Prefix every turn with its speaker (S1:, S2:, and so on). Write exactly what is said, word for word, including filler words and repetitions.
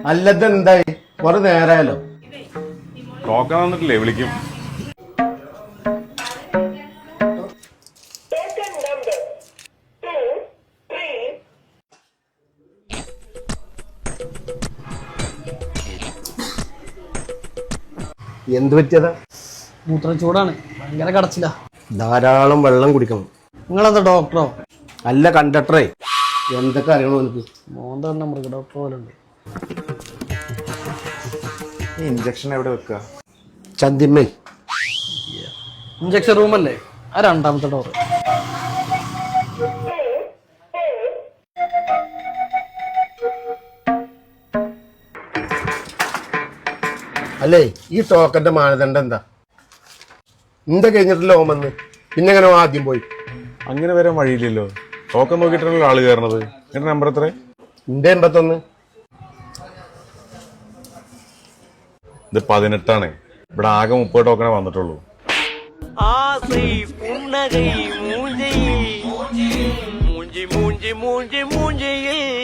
S1: അല്ലത് എന്തായി കുറെ നേരായാലോ.
S2: ടോക്കൺ വന്നിട്ടില്ലേ? വിളിക്കും.
S1: എന്ത് പറ്റിയതാ?
S3: മൂത്രം ചൂടാണ്, ഭയങ്കര കടച്ചില്ല.
S1: ധാരാളം വെള്ളം കുടിക്കണം.
S3: നിങ്ങളെന്താ ഡോക്ടറോ?
S1: അല്ല കണ്ടക്ടറേ, എന്തൊക്കെ അറിയണോ എനിക്ക്?
S3: മോന്ത തന്നെ മൃഗ ഡോക്ടർ പോലെ ഉണ്ട്.
S2: ഈ ഇഞ്ചക്ഷൻ എവിടെ വെക്കുക?
S1: ചന്തിമ്മേ.
S3: ഇഞ്ചക്ഷൻ റൂമല്ലേ? ആ രണ്ടാമത്തെ ഡോർ.
S1: അല്ലേ ഈ ടോക്കന്റെ മാനദണ്ഡം എന്താ? എന്താ കഴിഞ്ഞിട്ടില്ല ഓമെന്ന് പിന്നെ എങ്ങനെ ആദ്യം പോയി?
S2: അങ്ങനെ വരാൻ വഴിയില്ലല്ലോ. ടോക്കൺ നോക്കിയിട്ടാണല്ലോ ആള് കയറണത്. എന്റെ നമ്പർ എത്ര?
S1: എന്റെ എൺപത്തൊന്ന്.
S2: ഇത് പതിനെട്ടാണ്. ഇവിടെ ആകെ മുപ്പത് ടോക്കണേ വന്നിട്ടുള്ളൂ.
S4: ஆசை புன்னகை மூஞ்சி மூஞ்சி மூஞ்சி மூஞ்சி மூஞ்சியில்